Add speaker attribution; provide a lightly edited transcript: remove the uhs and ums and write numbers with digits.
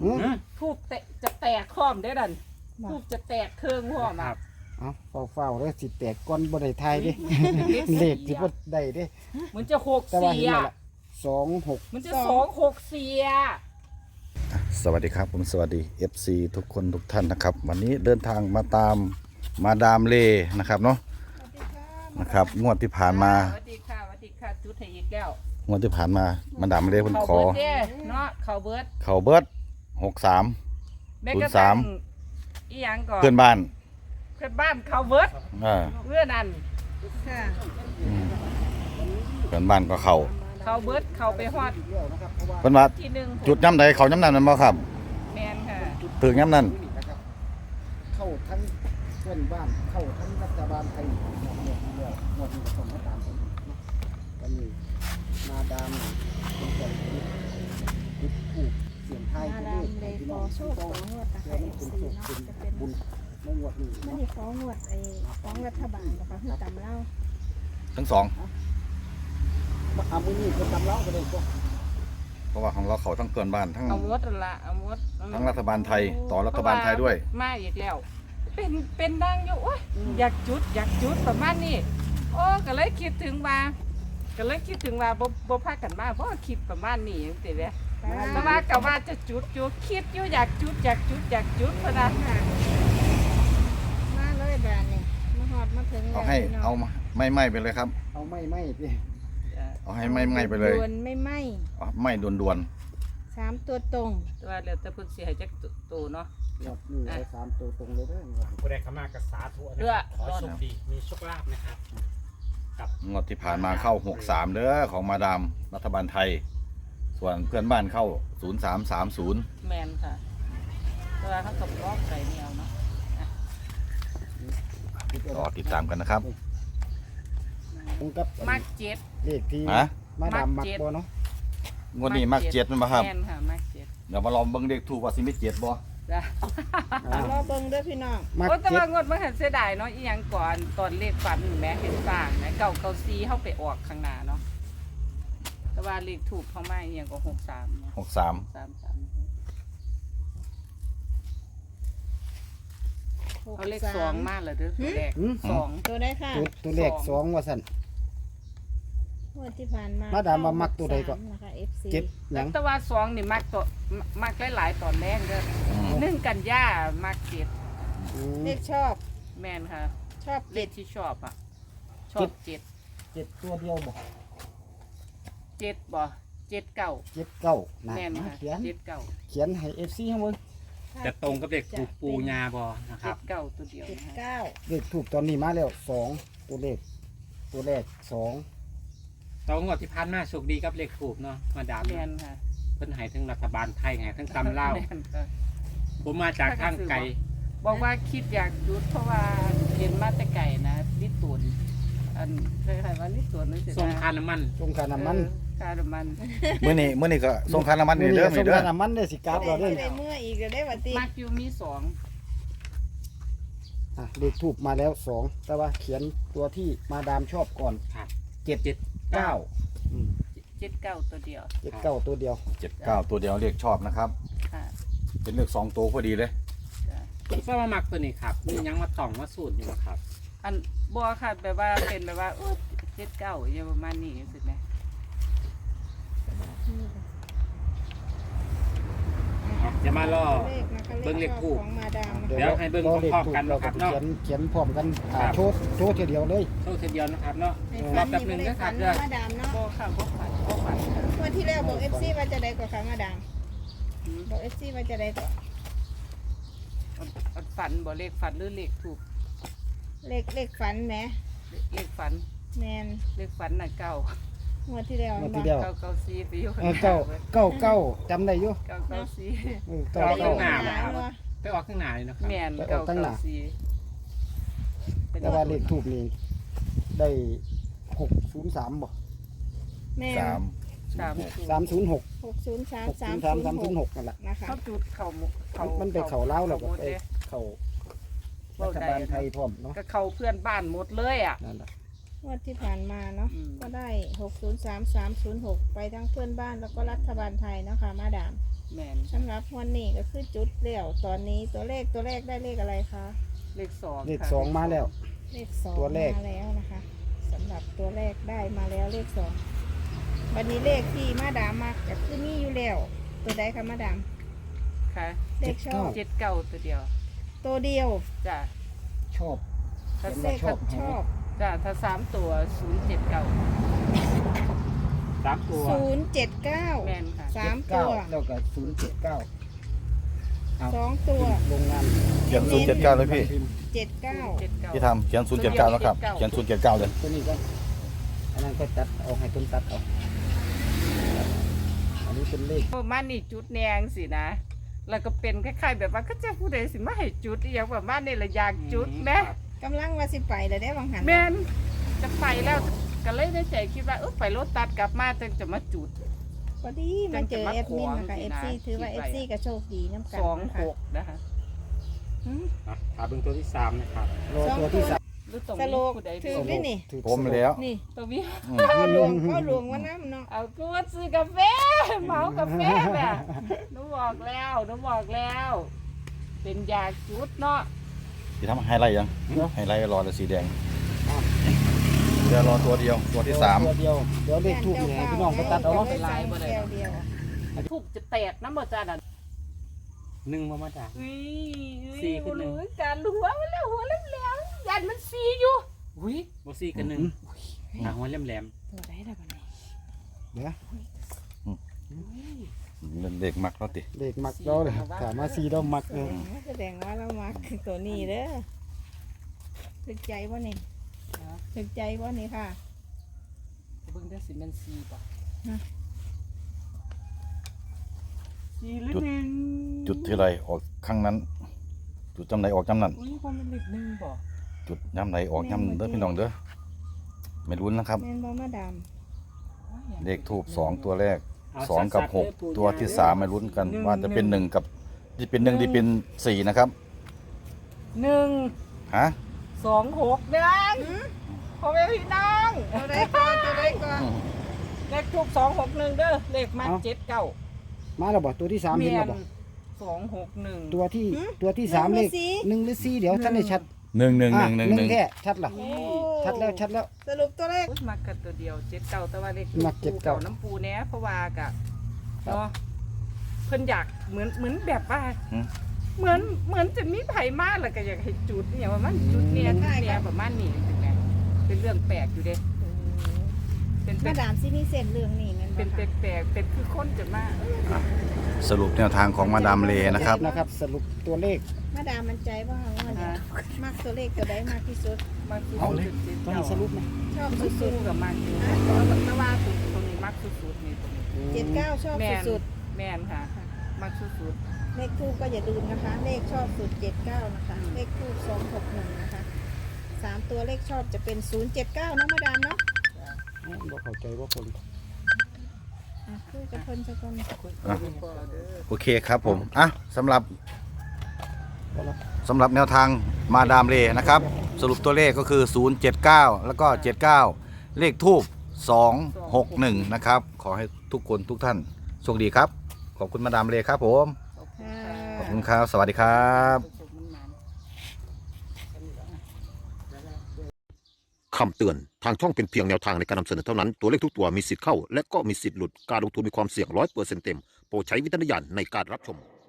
Speaker 1: ทูบจะแตกข้อมได้ดันทูบจะแตกเครื่องข้อมอ่ะ
Speaker 2: เอาเฝ้าๆเลยสิแตกก้อนบ่ได้ทายเด้เลขสิบ่ได้เด้
Speaker 1: มันจะ
Speaker 2: แต่ว่า
Speaker 1: 6
Speaker 2: เห็น
Speaker 1: 4
Speaker 2: แล้ว
Speaker 1: อ่ะ
Speaker 2: ล่ะ26
Speaker 1: มันจะ264อ่ะ
Speaker 3: สวัสดีครับผมสวัสดี FC ทุกคนทุกท่านนะครับวันนี้เดินทางมาตามมาดามเลนะครับเนาะนะครับงวดที่ผ่านมา
Speaker 1: สวัสดีค่ะจุดให้อีกแล้ว
Speaker 3: งวดที่ผ่านมามาดามเลเพิ่นขอ
Speaker 1: เบิร์ดเด้เนาะเขาเบิร์ด
Speaker 3: เขาเบิด63
Speaker 1: แม่กระทั่งอีหยังก่อน
Speaker 3: เพื่อนบ้าน
Speaker 1: เพื่อนบ้านเขาเบิร์ด เพื่อนนั่น
Speaker 3: อืมเพื่อนบ้านก็เขา
Speaker 1: เขาเบิร์ดเขาไปฮอด
Speaker 3: เพิ่นว่า
Speaker 1: ที่หนึ่ง
Speaker 3: จุดย้ำใดเขาย้ำนั้นนั่นบ่ครับ
Speaker 1: แมนค่ะ
Speaker 3: ถึงย้ำนั้น
Speaker 2: เข้าทั้งเพื่อนบ้านเข้าทั้งรัฐบาลไทยหมดนี้ก็ต้องมาตามกันก็มีมาดามเป็นคนที่ผู้เสียงไทย
Speaker 4: มาดามเลยขอโชคของวดนะคะ FC เนาะจะเป็น
Speaker 2: บุญในงวดนี้
Speaker 4: ไม่ได้ของวดไอ้ของรัฐบาลนะคะคือตำเล่า
Speaker 3: ทั้งสอง
Speaker 2: เอามือนี้ก็ตำเล้าก็ได้ก็
Speaker 3: เพราะว่าของเราเขาทั้งเพื่อนบ้านทั้ง
Speaker 1: เอามดนั่นละเอามด
Speaker 3: ทั้งรัฐบาลไทยต่อรัฐบาลไทยด้วย
Speaker 1: มาอีกแล้ว เป็นดังอยู่โอ้ยอยากจุดประมาณนี้โอ้ก็เลยคิดถึงว่าบ่พากันมาเพราะว่าคิดประมาณนี้จังซี่แหละแต่ว่าก็ว่าจะจุดอยู่คิดอยู่อยากจุดพะนะ
Speaker 4: มาเลยแบรนด์นี่มาหอดมาถึง
Speaker 3: เอาให้เอาไม่ไปเลยครับ
Speaker 2: เอาไม่พี่
Speaker 3: เอาให้ไม่ไปเลย
Speaker 4: ดวนไม่ไหม
Speaker 3: เอาไม่ด่วน
Speaker 4: 3 ตัวตรง
Speaker 1: แต่ว่าแล้วแต่เพิ่นสิให้จักตัวเนาะ
Speaker 2: งวดนี้ได้3ตัวตรงเลยเด้อ
Speaker 5: ผู้ใดเข้ามากับสาธุนะ
Speaker 1: เพื่อ
Speaker 5: ขอโชคดี มีโชคลาภนะครับ
Speaker 3: ๆงวดที่ผ่านมาเข้า63เด้อของมาดามรัฐบาลไทย ส่วนเพื่อนบ้านเข้า0330
Speaker 1: แมนค่ะแต่ว่าเขาก็บล็อกใส่แนวเนาะ
Speaker 3: ก็ติดตามกันนะครับ
Speaker 2: ตรงกับ
Speaker 1: มักเจ็ด
Speaker 2: เลขที่
Speaker 3: ฮะ
Speaker 2: มาดามมักบ่เนาะ
Speaker 3: งวดนี้มักเจ็ดมันบ่ครับ
Speaker 1: แมนค่ะมักเจ็ด
Speaker 3: เดี๋ยวมาลองเบิ่งเด็กถูกว่าสิมีเจ็ดบ่
Speaker 1: จ้ะ
Speaker 4: รอเบิ่งเด้อพี่น้อง
Speaker 2: มัก
Speaker 1: โอ้แต่
Speaker 2: เจ็ด
Speaker 1: ว่างวดมันเห็นเสียดายเนาะอีหยังก่อนตอนเลขฝันแหม่เห็นสร้างแหม่เก่าซีเข้าไปออกข้างหน้าเนาะแต่ว่าเลขถูกเขาไม่อีหยังก็63เนาะ
Speaker 3: 63
Speaker 1: 33เอาเลข2มาแล้วเด้อตัวแรก
Speaker 2: หืม
Speaker 1: สอง
Speaker 4: ตัวได้ค่ะ
Speaker 2: ตัวเลข2ว่าซั่น
Speaker 4: งวดที่ผ่านมา
Speaker 2: มาดามว่ามักตัวใดก่อน
Speaker 4: นะคะ FC
Speaker 2: เจ็ดหยัง
Speaker 1: แต่ว่า2นี่มักหลายๆตอนแรกเด้อ1กันยามักเจ็ด
Speaker 4: เลขชอบ
Speaker 1: แม่นค่ะ
Speaker 4: ชอบ
Speaker 1: เลขที่ชอบอ่ะชอบเจ็ด
Speaker 2: เจ็ดตัวเดียวบ่
Speaker 1: เจ็ดบ่เจ็ดเก้า
Speaker 2: เจ็ดเก้านะ
Speaker 1: แม่นค่ะ
Speaker 2: เขียน
Speaker 1: เจ็ดเก้า
Speaker 2: เขียนให้ FC ให้เบิ่ง
Speaker 5: จะตรงกับเด็กปูญาบอนะค
Speaker 1: เจ็
Speaker 5: รับ
Speaker 1: ดเก้าตัวเดียวนะฮะ
Speaker 4: 79
Speaker 2: เลขถูกตอนนี้มาแล้ว2ตัวเลขตัวแรก2
Speaker 5: ตองวดที่พันมาโชคดีกับเลขถูกเนาะ มาดาม
Speaker 1: แม่นค่ะ
Speaker 5: เพิ่นให้ทั้งรัฐบาลไทยให้ทั้งตำเล่าว
Speaker 1: แม่นค่ะ
Speaker 5: ผมมาจากทางไกล
Speaker 1: บอกว่าคิดอยากหยุดเพราะว่าเห็นมาแต่ไก่นะลิตรตุนอันเคยว่าลิตรตุนนั่นสิ
Speaker 5: ส่งค่าน้ำมัน
Speaker 2: ตรงค่าน้ำมัน
Speaker 1: ค่าน้ำมัน
Speaker 3: มื้อนี้ก็ส่งค่าน้ำมันนี่เด้อ
Speaker 2: ส่
Speaker 3: นี่
Speaker 2: ง
Speaker 3: เด้อ
Speaker 2: ค่าน้ำมันได้สิกราบเราเด้อ
Speaker 4: ได้เมื่ออีกเดี๋ยวได้บัดนี้
Speaker 1: มักอยู่มีสอง
Speaker 2: เลขถูกมาแล้ว2แต่ว่าเขียนตัวที่มาดามชอบก่อน
Speaker 5: ครับ
Speaker 2: 9อืม
Speaker 1: เจ็ดเก้าตัวเดียว
Speaker 2: 79ตัวเดียว
Speaker 3: 79ตัวเดียวเลขชอบนะครับ
Speaker 1: ค่ะ
Speaker 3: เป็นเลข2ตัวพอดีเลย
Speaker 1: จ้ะ
Speaker 5: เพราะว่ามักตัวนี้ครับมียังมาต่องมาสูตรอยู่บ่ครับ
Speaker 1: อันบัวค่ะแบบว่าเป็นแบบว่าเจ็ดเก้าอย่างประมาณนี้สิไหม
Speaker 5: จะมาล่อ
Speaker 4: เลขนะคะ
Speaker 5: เบิ่งเลขทูป
Speaker 4: ของมาดาม
Speaker 5: เดี๋ยวให้เบิ่งพร้อมๆกันนะครับเนาะ
Speaker 2: เขียนพร้อมกัน
Speaker 5: ครับ
Speaker 2: โชว์ทีเดียวเลย
Speaker 5: โชคเดียวนะครับเนาะ
Speaker 4: ใน
Speaker 5: ร
Speaker 4: ฝั
Speaker 5: อน บแป๊บหนึ
Speaker 4: นี่
Speaker 5: ง
Speaker 4: บ่ได้
Speaker 5: นะค
Speaker 4: ฝั
Speaker 5: รับ
Speaker 4: น
Speaker 5: เด้อ
Speaker 4: มาดามเนาะ
Speaker 1: บัวค่ะบัวฝันค่ะ
Speaker 4: งวดที่แล้วบอก FC ว่าจะได้กว่าค่ะมาดามบอก FC ว่าจะได้กว่า
Speaker 1: อันฝันบ่เลขฝันหรือเลขถูก
Speaker 4: เลขฝันแหม
Speaker 1: เลขฝัน
Speaker 4: แมน
Speaker 1: เลขฝันน่ะเก้าง
Speaker 4: วดที่แล้ว
Speaker 2: งวดที่แล้ว
Speaker 1: เก้าเก้าสี่ไปอยู่ข้างห
Speaker 2: เก้า
Speaker 1: น้า
Speaker 2: เก้าเก้าจำได้อยู่
Speaker 1: เก้าเก้าสี่
Speaker 2: เก้า
Speaker 5: เอา
Speaker 2: เก้า
Speaker 5: ข้างหน้า
Speaker 4: หนา
Speaker 5: ครับ
Speaker 4: เนาะ
Speaker 5: ไปออกข้างหน้าเลยนะครับ
Speaker 1: แม่น
Speaker 2: ไปอ
Speaker 1: เก้า
Speaker 2: อกตั้งห
Speaker 1: เก้า
Speaker 2: น้า
Speaker 1: สี่
Speaker 2: แต่ว่าเลขถูกนี่ได้603บ่
Speaker 4: แม่น
Speaker 3: 3
Speaker 2: 306
Speaker 4: 603
Speaker 2: 306นั่นแหละ
Speaker 4: นะคะ
Speaker 1: เขาจุดเขา
Speaker 2: มันไปเข้าลาวแล้วก็ไป
Speaker 1: เด้
Speaker 2: เข้ารัฐบาลไทยพร้อมเนาะ
Speaker 1: ก็เขาเพื่อนบ้านหมดเลยอ่ะ
Speaker 2: นั่นแหละ
Speaker 4: งวดที่ผ่านมาเนาะ
Speaker 1: อืม
Speaker 4: ก็ได้603 306ไปทั้งเพื่อนบ้านแล้วก็รัฐบาลไทยเนาะค่ะมาดาม
Speaker 1: แม่น
Speaker 4: สำหรับวันนี้ก็คือจุดแล้วตอนนี้ตัวแรกได้เลขอะไรคะ
Speaker 1: เลขสอง
Speaker 2: เลข
Speaker 1: ค่ะ
Speaker 2: สองมาแล้ว
Speaker 4: เลขสอง
Speaker 2: ตัวเลข
Speaker 4: มาแล้วนะคะสำหรับตัวแรกได้มาแล้วเลขสองวันนี้เลขที่มาดามมักก็คือมีอยู่แล้วตัวใดคะมาดาม
Speaker 1: ค่ะ
Speaker 4: เลขชอบ
Speaker 1: 79ตัวเดียว
Speaker 4: ตัวเดียว
Speaker 1: จ้ะ
Speaker 2: ชอบ
Speaker 1: ถ้า
Speaker 2: เห็น
Speaker 4: เล
Speaker 2: ว่า
Speaker 4: ข
Speaker 2: ชอบ
Speaker 4: ชอบ
Speaker 1: จ้ะถ้า3ตัว079
Speaker 5: สามตัว
Speaker 4: 079
Speaker 1: แม่นค่ะ
Speaker 4: สาม
Speaker 2: เก้า
Speaker 4: ตัว
Speaker 2: แล้วก็079
Speaker 4: สองตัว
Speaker 2: โรงงาน
Speaker 3: เขียน079เลยพี่
Speaker 4: 79
Speaker 3: พี่ทำเขียน079แล้วครับเขียน079เลย
Speaker 2: ตัวนี้ก็อันนั้นก็ตัดออกให้ต้นตัดเอาอันนี้เป็นเลข
Speaker 1: ประมาณนี้จุดแนงสินะ แล้วก็เป็นคล้ายๆแบบว่าก็จะผู้ใดสิมาให้จุดอหย่างประมาณนี้ละอยากจุดแหม
Speaker 4: กำลังว่าสิไปแล้วได้บางหัน
Speaker 1: แม่นจะไปแล้วก็เลยในใจคิดว่าไปรถตัดกลับมาจึงจะมาจุด
Speaker 4: พอดีมาเจอ
Speaker 1: จั
Speaker 4: เอง ฟ
Speaker 1: จะมา
Speaker 4: มินนะคะ
Speaker 1: ขวางสิ
Speaker 4: เอฟ
Speaker 1: นะ
Speaker 4: ซีถือว่า
Speaker 1: คิ
Speaker 4: เอ
Speaker 1: ด
Speaker 4: ฟ
Speaker 1: ไว้
Speaker 4: ซีก็โชคดีน้ำกันนะคะ
Speaker 1: 26นะคะ
Speaker 4: หืม
Speaker 5: ถาเบิ่งตัวที่ 3 นะครับ
Speaker 2: รอตัวที่สาม
Speaker 1: หรือตรง
Speaker 4: ส
Speaker 1: นี้
Speaker 4: โลก
Speaker 1: ผู้ใด
Speaker 4: ถือ
Speaker 1: รู้
Speaker 4: ได้นี่
Speaker 2: ถูก
Speaker 3: ผมแล้ว
Speaker 4: นี่
Speaker 1: ตัวนี้
Speaker 4: พ่อหลวงว่าน้ำเนาะ
Speaker 1: เอากูว่าซื้อกาแฟเหมากาแฟแบบหนูบอกแล้ว เป็นยาจุดเนาะ
Speaker 3: พี่ทำไฮไลท์ยังไฮไลท์รอแต่สีแดงเดี๋ยวรอตัวเดียวตัวที่
Speaker 2: ตัวเดียวเดี๋ยวเลขทูบเนี่ยพี่น้องก็ตัดเอาเนาะ
Speaker 4: แก้วเดียว
Speaker 1: ถูกจะแตกน้ำบ่จ้าน่ะ
Speaker 5: 1บ่มาจ้ะ
Speaker 1: อุ้ย
Speaker 5: สี่ขึ้นหนึ่ง
Speaker 1: รู้การหัวมันแล้วยันมันสีอยู่อุ้ย
Speaker 5: บ่4กับ1หัวแหลม
Speaker 4: ตัวใดล่ะบัดนี้
Speaker 2: เดี๋ยว
Speaker 3: 3เด็กมักแล้วติ
Speaker 2: เลขมักเราเลยถามมาซีเรามัก
Speaker 4: แสดงว่าเรามักตัวนี้เด้อถึกใจบ่นี่ถึกใจบ่นี่ค่ะ
Speaker 1: เบิ่งได้สิแมันสีป่ะ
Speaker 4: ฮะ
Speaker 1: สีหรือหนึ่ง
Speaker 3: จุดที่ไรออกข้างนั้น จุดจำไหนออกจำนั้น
Speaker 1: อุ้ยความเป็นเลขหนึ่งบ่
Speaker 3: จุดย้ำไหนออกย้ำเด้อพี่น้องเด้อไม่รุ้นนะครับ
Speaker 4: แม่นบ่มาดาม
Speaker 3: เลขทูบ2ตัวแรก
Speaker 5: ๆเอา
Speaker 3: 2 กับ
Speaker 5: ชัดๆเลยปู่
Speaker 3: 6 ตัวที่3ไม่รุ้นกัน ว่าจะเป็น1กับที่เป็น1ที่เป็น4นะครับ
Speaker 1: หนึ่ง
Speaker 3: ฮะ
Speaker 1: 26เด้งพ่อแม่พี่น้อง
Speaker 4: ตัวใดก่อนตัวใดก่อน
Speaker 1: เลขทูบ261เด้อเลขมัน79
Speaker 2: มาแล้วบ่ตัวที่สามเห็น
Speaker 1: เมีย
Speaker 2: แล้ว
Speaker 1: น
Speaker 2: บ่
Speaker 1: 261
Speaker 2: ตัวที่สามเลข1หรือ4เดี๋ยวท่านได้ชัด
Speaker 3: 1 1 1
Speaker 2: อ่ะ
Speaker 3: 1
Speaker 2: หนึ่ง
Speaker 3: 1
Speaker 2: แค่ชัดล่ะ
Speaker 4: โอ้
Speaker 2: ชัดแล้วชัดแล้ว
Speaker 4: สรุปตัวเลข
Speaker 1: อุ๊ยมักกันตัวเดียว79แต่ว่าเลข
Speaker 2: มัก
Speaker 1: ปู
Speaker 2: 79
Speaker 1: เก่าน้ำปูแน่เพราะว่ากะเนาะเพิ่นอยากเหมือนแบบว่า เหมือนจะมีไผมาแล้วก็อยากให้จุดเนี่ยว่ามันจุดเนี่ยจุดเนี่ยประมาณนี้จังไงเป็นเรื่องแปลกอยู่เด้เป็น
Speaker 4: มาดามสิมีเส้นเรื่องนี้แม่นบ่
Speaker 1: เป็น
Speaker 4: คะ
Speaker 1: แปลกเป็นคือคนจะมา
Speaker 3: สรุปแนวทางของมาดามเลนะครับ
Speaker 2: นะครับ สรุปตัวเลข
Speaker 4: มาดามมั่นใจว่าเนี่ยมักตัวเลขตัวใดมากที่สุด
Speaker 1: มาคือ
Speaker 2: เอาเลย
Speaker 1: จุด
Speaker 2: ต้องให้สรุปนะ
Speaker 4: ชอบ
Speaker 1: สุ
Speaker 4: สุ
Speaker 1: ด
Speaker 4: ด
Speaker 1: ๆกับมากอยู่แต่ว่าสุดตรงนี้มักสุดๆนี่ตรงนี้
Speaker 4: ๆ79ชอบ
Speaker 1: แม่น
Speaker 4: สุด
Speaker 1: แม่นค่ะมักสุด
Speaker 4: ๆเลขทูปก็อย่าลืมนะคะ เลขชอบสุด79นะคะ เลขทูป261นะคะ3ตัวเลขชอบจะเป็น079เนาะมาดามเนาะ
Speaker 2: บ่เข้าใจว่าคน
Speaker 4: อ่ะคือจะเพิ่นสักคน
Speaker 3: อ่ะ โอเคครับผมอ่ะสำหรับ
Speaker 2: ก็แล้ว
Speaker 3: สำหรับแนวทางมาดามเลนะครับ สรุปตัวเลขก็คือ 079 แล้วก็ 79 เลขทูบ261 นะครับ ขอให้ทุกคนทุกท่านโชคดีครับ ขอบคุณมาดามเลครับผม
Speaker 1: ๆ
Speaker 3: ขอบคุณครับ สวัสดีครับ
Speaker 6: คำเตือน ทางช่องเป็นเพียงแนวทางในการนำเสนอเท่านั้น ตัวเลขทุกตัวมีสิทธิ์เข้า และก็มีสิทธิ์หลุด การลงทุนมีความเสี่ยง100%เต็ม โปรดใช้วิจารณญาณในการรับชม